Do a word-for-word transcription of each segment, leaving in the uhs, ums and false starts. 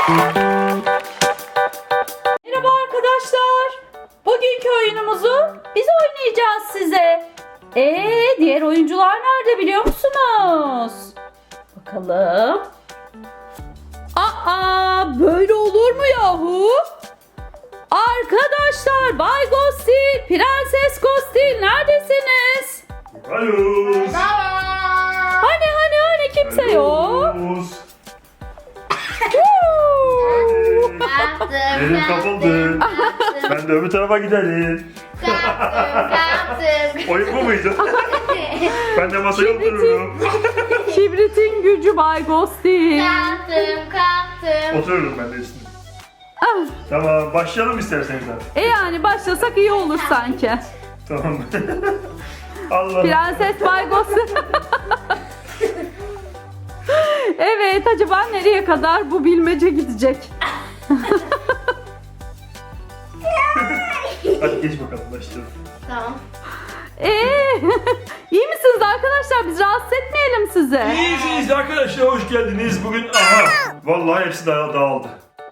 Merhaba arkadaşlar. Bugünkü oyunumuzu biz oynayacağız size. Ee, diğer oyuncular nerede biliyor musunuz? Bakalım. Aa, böyle olur mu yahu? Arkadaşlar, Bay Ghostil, Prenses Ghostil neredesiniz? Alo. Hani hani hani kimse yok. Elim kapalı. Ben de öbür tarafa giderim. Oyun bu muydu? Ben de masaya otururum. Kibritin gücü Bay Ghostil. Kalktım kalktım. Otururum ben de üstüne. Ah, Tamam, başlayalım isterseniz abi. e yani başlasak iyi olur sanki. Tamam. Allah. Prenses Bay Ghostil. Evet, acaba nereye kadar bu bilmece gidecek? Hadi geç bakalım, başlayalım. Tamam. Ee, iyi misiniz arkadaşlar? Biz rahatsız etmeyelim sizi. İyisiniz arkadaşlar, hoş geldiniz. Bugün aha, vallahi hepsi daha dağıldı.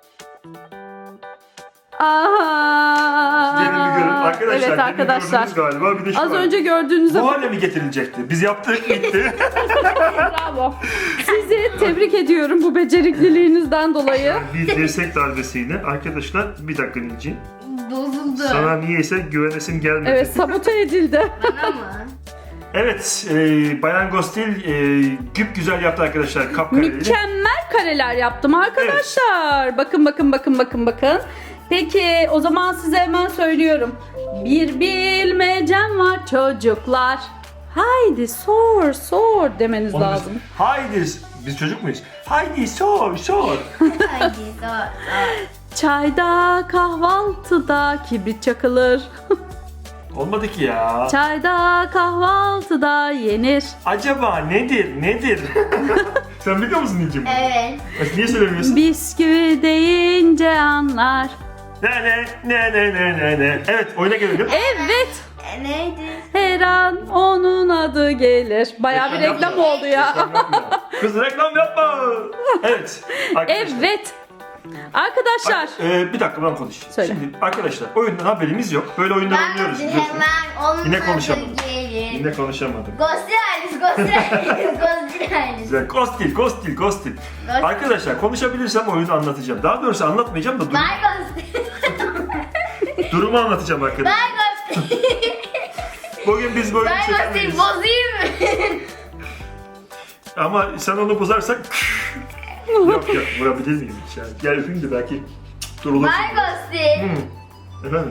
Aha. Gelin bir görün. Arkadaşlar, Evet gelin arkadaşlar. gördünüz galiba. Bir de şu Az var. önce gördüğünüzde Bu hale mi getirilecekti? Biz yaptık, bitti. bravo. Sizi tebrik ediyorum bu becerikliliğinizden dolayı. Bir dirsek darbesiyle. Arkadaşlar, bir dakika Nilci. Bozuldu. Sana niyeyse güvenesim gelmedi. Evet, sabote edildi. Bana mı? Evet, e, Bayan Ghostil e, güp güzel yaptı arkadaşlar, kapkareli. Mükemmel kareler yaptım arkadaşlar. Bakın bakın bakın bakın bakın. Peki o zaman size hemen söylüyorum. Bir bilmecem var çocuklar. Haydi sor sor demeniz Onu biz- lazım. Haydi, biz çocuk muyuz? Haydi sor sor. Haydi zor zor. Çayda kahvaltıda kibrit çakılır. Olmadı ki ya. Çayda kahvaltıda yenir. Acaba nedir, nedir? Sen biliyor musun Nilci bunu? Evet. Niye söylemiyorsun? Bisküvi deyince anlar. Ne ne ne ne ne ne ne. Evet, oyuna gelelim. Evet. E, neydi? Her an onun adı gelir. Bayağı bir Reklam reklam yapma. oldu ya. Reklam yapma. Kız reklam yapma. Evet. Arkadaşlar. Evet. Arkadaşlar. Ee, bir dakika ben konuşayım. Söyle. Şimdi arkadaşlar, oyundan haberimiz yok. Böyle oyunlar Ben oynuyoruz de biliyorsunuz. hemen onun Yine adı konuşamadım. gelir. Yine konuşamadım. Ghostil ailesi, Ghostil ailesi, Ghostil ailesi. Güzel. Ghostil, ghostil, ghostil. Ghostil. Arkadaşlar, konuşabilirsem oyunu anlatacağım. Daha doğrusu anlatmayacağım da durum, Bay Ghostil. durumu anlatacağım arkadaşlar. Bay Ghostil. Bugün biz böyle Bay Ghostil çekemeyiz. bozayım mı? Ama sen onu bozarsan yok yok, vurabilir miyim hiç yani? Gel öpeyim de belki durulur. Bay Ghostil. Hı. Efendim?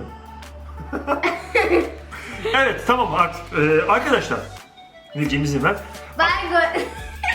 Evet, tamam artık. Ee, arkadaşlar, Nilcim izin ver. Bay Ghostil.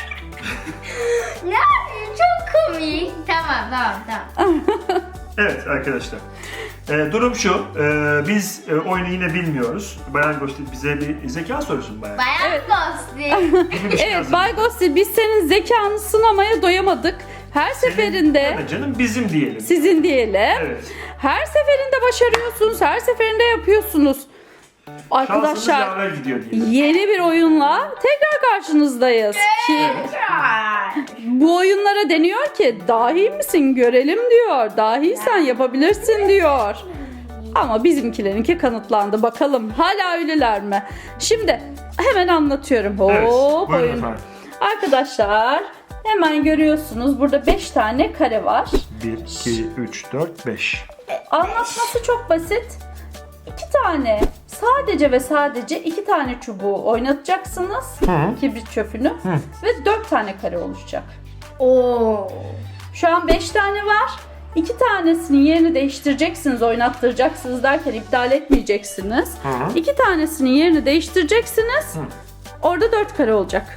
Ne yapayım? Çok komik. Tamam tamam tamam. Evet arkadaşlar. Ee, durum şu, ee, biz e, oyunu yine bilmiyoruz. Bayan Ghostil bize bir zeka sorusu mu bayan? Bayan Evet. Ghostil. Gibi bir şey Evet yazın. Bay Ghostil, biz senin zekanı sınamaya doyamadık. Her seferinde Evet canım, bizim diyelim. sizin diyelim. Evet. Her seferinde başarıyorsunuz. Her seferinde yapıyorsunuz. Şansımız Arkadaşlar, yaver gidiyor diyelim. yeni bir oyunla tekrar karşınızdayız. Ki bu oyunlara deniyor ki dahi misin görelim diyor. Dahiysen yapabilirsin diyor. Ama bizimkilerinki kanıtlandı. Bakalım hala öyleler mi? Şimdi hemen anlatıyorum. Evet, Hop buyurun oyun. efendim. Arkadaşlar hemen görüyorsunuz burada beş tane kare var. bir, iki, üç, dört, beş. Anlatması çok basit. İki tane, sadece ve sadece iki tane çubuğu oynatacaksınız. Hı. Kibrit çöpünü. Ve dört tane kare oluşacak. Oo. Şu an beş tane var. İki tanesinin yerini değiştireceksiniz, oynattıracaksınız derken iptal etmeyeceksiniz. Hı. İki tanesinin yerini değiştireceksiniz. Hı. Orada dört kare olacak.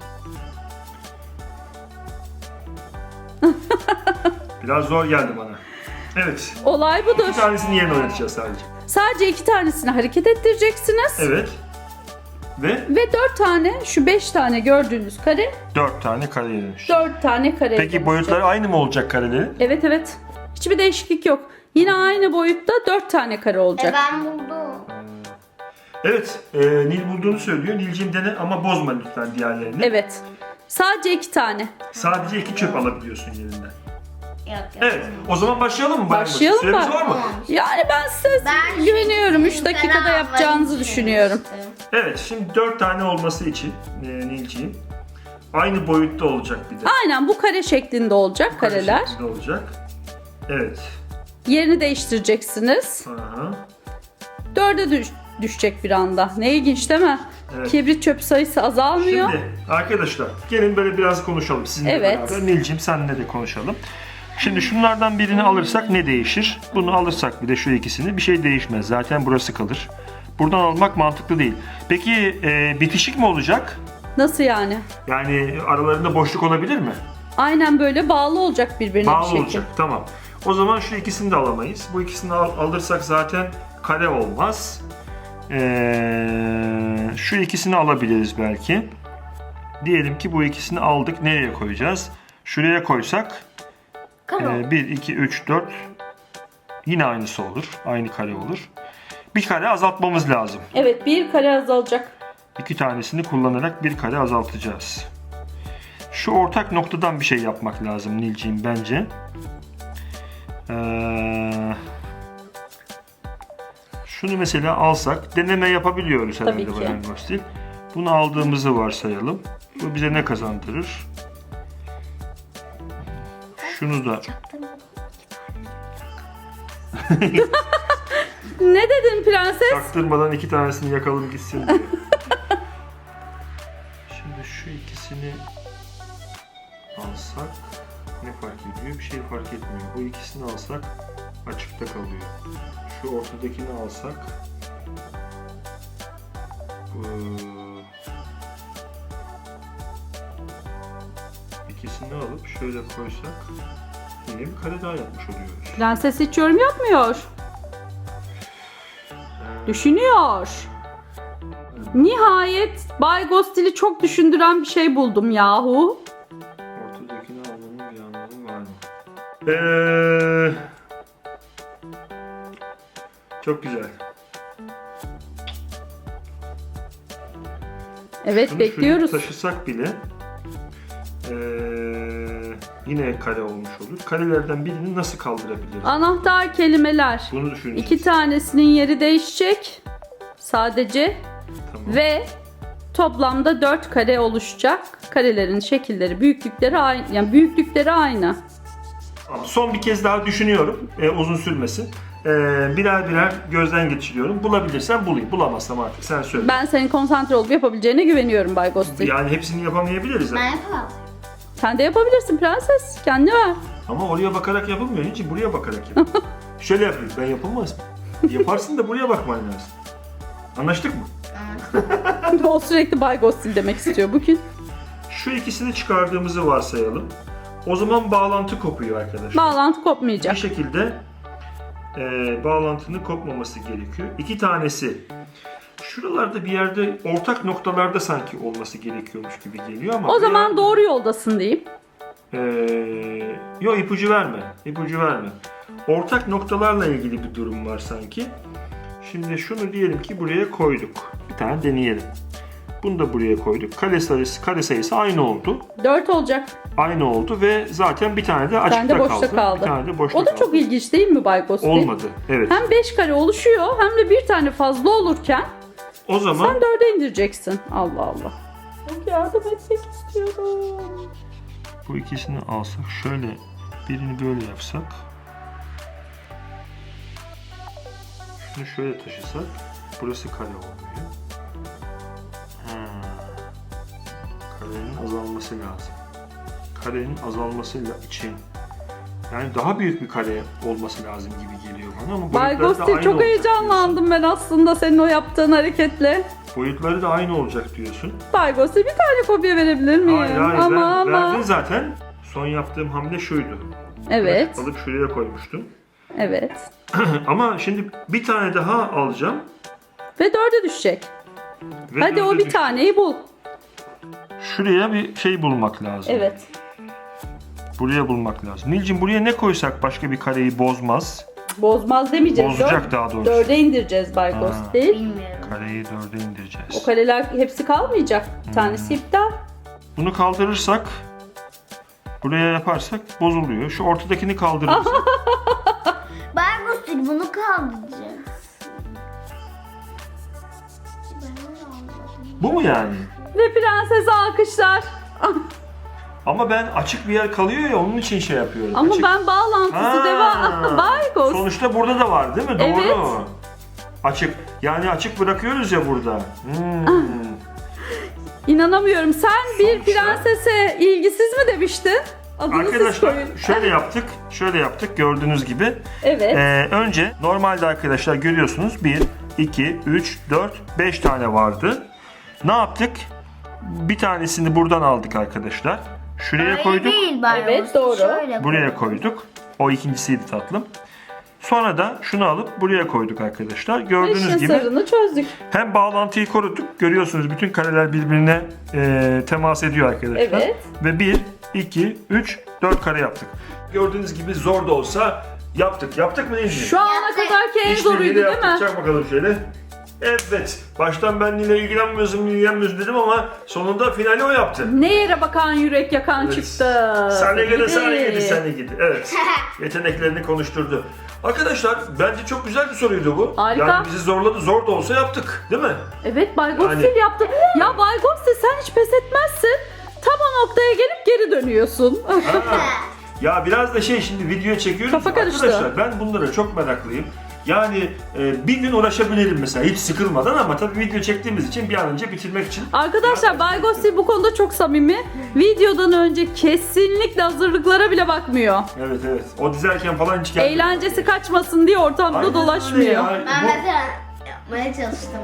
Biraz zor geldi bana. Evet. Olay budur. Bir tanesini yerine oynatacağız sadece. Sadece iki tanesini hareket ettireceksiniz. Evet. Ve Ve dört tane, şu beş tane gördüğünüz kare, dört tane kareye dönüş. dört tane kare. Peki boyutları aynı mı olacak karelerin? Evet evet. Hiçbir değişiklik yok. Yine aynı boyutta dört tane kare E olacak. ben buldum. Evet, e, Nil bulduğunu söylüyor. Nilcim dene ama bozma lütfen diğerlerini. Evet. Sadece iki tane. Sadece iki çöp alabiliyorsun yerinden. Yok yok. Evet. O zaman başlayalım mı? Bayan Gostil? Başlayalım Süremiz mı? var mı? Yani ben size Ben güveniyorum. üç şu dakikada kanalları yapacağınızı düşünüyorum. düşünmüştüm. Evet. Şimdi dört tane olması için e, Nilciğim aynı boyutta olacak bir de. Aynen bu kare şeklinde olacak Kare kareler. şeklinde olacak. Evet. Yerini değiştireceksiniz. Aha. Dörde düş- düşecek bir anda. Ne ilginç değil mi? Evet. Kibrit çöp sayısı azalmıyor. Şimdi arkadaşlar gelin böyle biraz konuşalım sizinle Evet. beraber. Nilciğim senle de konuşalım. Şimdi şunlardan birini alırsak ne değişir? Bunu alırsak bir de şu ikisini bir şey değişmez. Zaten burası kalır. Buradan almak mantıklı değil. Peki e, bitişik mi olacak? Nasıl yani? Yani aralarında boşluk olabilir mi? Aynen böyle bağlı olacak birbirine bir Bağlı şekilde. olacak. Tamam. O zaman şu ikisini de alamayız. Bu ikisini al- alırsak zaten kare olmaz. Ee, şu ikisini alabiliriz belki. Diyelim ki bu ikisini aldık. Nereye koyacağız? Şuraya koysak Karo. bir, iki, üç, dört yine aynısı olur. Aynı kare olur. Bir kare azaltmamız lazım. Evet bir kare azalacak. İki tanesini kullanarak bir kare azaltacağız. Şu ortak noktadan bir şey yapmak lazım Nilciğim bence. Ee, şunu mesela alsak deneme yapabiliyoruz Tabii herhalde ki. Bayan Gostil. Bunu aldığımızı varsayalım. Bu bize ne kazandırır? Şunu da Ne dedin prenses? çaktırmadan iki tanesini yakalım gitsin diye. Şimdi şu ikisini alsak ne fark ediyor? Bir şey fark etmiyor. Bu ikisini alsak açıkta kalıyor. Şu ortadakini alsak bu ikisini alıp şöyle koysak yine bir kare daha yapmış oluyoruz. Prenses hiç yorum yapmıyor. Düşünüyor. Nihayet Bay Gostil'i çok düşündüren bir şey buldum yahu. Ortadakini almanın bir anlamı var mı? Eee çok güzel. Evet Şunu bekliyoruz. şuraya taşısak bile eee, yine kare olmuş olur. Karelerden birini nasıl kaldırabiliriz? Anahtar kelimeler. Bunu düşüneceğiz. İki tanesinin yeri değişecek. Sadece. Tamam. Ve toplamda dört kare oluşacak. Karelerin şekilleri, büyüklükleri aynı. Yani büyüklükleri aynı. Tamam, son bir kez daha düşünüyorum. Ee, uzun sürmesin. Ee, birer birer gözden geçiriyorum. Bulabilirsem bulayım. Bulamazsam artık sen söyle. Ben senin konsantre olup yapabileceğine güveniyorum Bay Gostil. Yani hepsini yapamayabiliriz. Ben ama. yapamam. Sen de yapabilirsin prenses. Kendine ver. Ama oraya bakarak yapılmıyor. Hiç buraya bakarak yap. Şöyle yapayım. Ben yapılmaz mı? Yaparsın da buraya bakman lazım. Anlaştık mı? O sürekli Bay Gostil demek istiyor bugün. Şu ikisini çıkardığımızı varsayalım. O zaman bağlantı kopuyor arkadaşlar. Bağlantı Bir kopmayacak. şekilde e, bağlantının kopmaması gerekiyor. İki tanesi şuralarda bir yerde ortak noktalarda sanki olması gerekiyormuş gibi geliyor ama O bir zaman yer- doğru yoldasın diyeyim. e, yok ipucu verme. İpucu verme. Ortak noktalarla ilgili bir durum var sanki. Şimdi şunu diyelim ki buraya koyduk. Bir tane deneyelim. Bunu da buraya koyduk. Kare sayısı, kare sayısı aynı oldu. Dört olacak. Aynı oldu ve zaten bir tane de açıkta Sen de boşta kaldı. kaldı. Bir tane de boşta O da kaldı. çok ilginç değil mi Bay Gostil? Olmadı. Evet. Hem beş kare oluşuyor hem de bir tane fazla olurken O zaman sen dörde indireceksin. Allah Allah. Çok yardım etmek istiyorum. bu ikisini alsak şöyle birini böyle yapsak şunu şöyle taşısak burası kare olmuyor. Ha. Karenin azalması lazım. Karenin azalması için yani daha büyük bir kare olması lazım gibi geliyor bana ama Bay boyutları da Gostil aynı çok olacak heyecanlandım ben aslında senin o yaptığın hareketle. diyorsun. Boyutları da aynı olacak diyorsun. Bay Gostil bir tane kopya verebilir miyim? Hayır hayır ama ben ama. verdin zaten. Son yaptığım hamle şuydu. Evet. Alıp şuraya koymuştum. Evet. Ama şimdi bir tane daha alacağım. Ve dörde düşecek. Ve Hadi o dörde bir düş- taneyi bul. Şuraya bir şey bulmak lazım. Evet. Buraya bulmak lazım. Nilcim buraya ne koysak başka bir kareyi bozmaz. Bozmaz demeyeceğiz. Bozacak Dört- daha doğrusu. Dörde indireceğiz Bay Ha. Gostil. Bilmiyorum. Kareyi dörde indireceğiz. O kareler hepsi kalmayacak. Bir tanesi Hmm. iptal. Bunu kaldırırsak Buraya yaparsak bozuluyor. Şu ortadakini kaldırırız. Baygostil bunu kaldıracağız. Bu mu yani? Ve prensese alkışlar. Ama ben açık bir yer kalıyor ya onun için şey yapıyorum. Ama açık. ben bağlantısı Ha, devam. Baygos. Sonuçta burada da var değil mi? Doğru. Evet. Açık. Yani açık bırakıyoruz ya burada. Hmm. İnanamıyorum. Sen bir Sonuçta- prensese ilgisiz mi demiştin? Adını siz Arkadaşlar koyun. şöyle yaptık. Şöyle yaptık gördüğünüz gibi. Evet. Ee, önce normalde arkadaşlar görüyorsunuz bir, iki, üç, dört, beş tane vardı. Ne yaptık? Bir tanesini buradan aldık arkadaşlar. Şuraya Öyle koyduk. değil baygostil. Evet, doğru. Şöyle Buraya koyduk. O ikincisiydi tatlım. Sonra da şunu alıp buraya koyduk arkadaşlar. Gördüğünüz İşin gibi sırrını çözdük. hem bağlantıyı koruduk. Görüyorsunuz bütün kareler birbirine e, temas ediyor arkadaşlar. Evet. Ve bir, iki, üç, dört kare yaptık. Gördüğünüz gibi zor da olsa yaptık. Yaptık mı Nilciğim? Şu ana Yaptık. kadarki en İşte zoruydu Nil'e değil yaptık. mi? Çak bakalım şöyle. Evet. Baştan ben Nil'e ilgilenmiyorsun, ilgilenmiyorsun dedim ama sonunda finali o yaptı. Ne yere bakan yürek yakan Evet. çıktı. Sen gidi, sen Gidi. gidi, sen gidi. Evet. Yeteneklerini konuşturdu. Arkadaşlar bence çok güzel bir soruydu bu. Harika. Yani bizi zorladı. Zor da olsa yaptık. Değil mi? Evet Bay Gostil Yani- yaptı. Ya Bay Gostil sen hiç pes etmezsin. Tam o noktaya gelip geri dönüyorsun. Ha. Ya biraz da şey şimdi video çekiyoruz. Kafa karıştı. Arkadaşlar ben bunlara çok meraklıyım. Yani e, bir gün uğraşabilirim mesela hiç sıkılmadan ama tabii video çektiğimiz için bir an önce bitirmek için. Arkadaşlar Bay Gostil bu konuda çok samimi. Videodan önce kesinlikle hazırlıklara bile bakmıyor. Evet evet. O dizerken falan hiç gelmedi. Eğlencesi kaçmasın diye ortamda Aynen öyle dolaşmıyor. ya. Ben Bu- mesela yapmaya çalıştım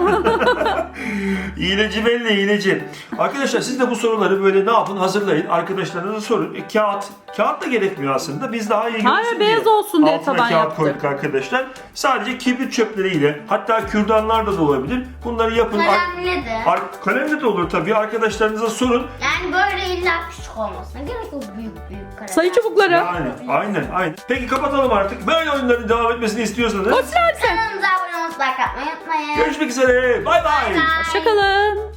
ben. İğneci belli iğneci. Arkadaşlar siz de bu soruları böyle ne yapın hazırlayın. Arkadaşlarınıza sorun. E, kağıt. Kağıt da gerekmiyor aslında. Biz daha iyi Hayır, görünsün beyaz diye olsun diye altına taban kağıt yaptık. koyduk arkadaşlar. Sadece kibrit çöpleriyle hatta kürdanlar da olabilir. Bunları yapın. Ar- Kalemle de. ar- kalemle de olur tabii. Arkadaşlarınıza sorun. Yani böyle illa küçük olmasına gerek yok, büyük büyük kareler. Sayı çubukları. Yani aynen aynen. Peki kapatalım artık. Böyle oyunların devam etmesini istiyorsanız. Gostil abi sen. Kanalımıza abone olmayı, like atmayı unutmayın. Görüşmek üzere. Bay bay. Bye. Hoşçakalın.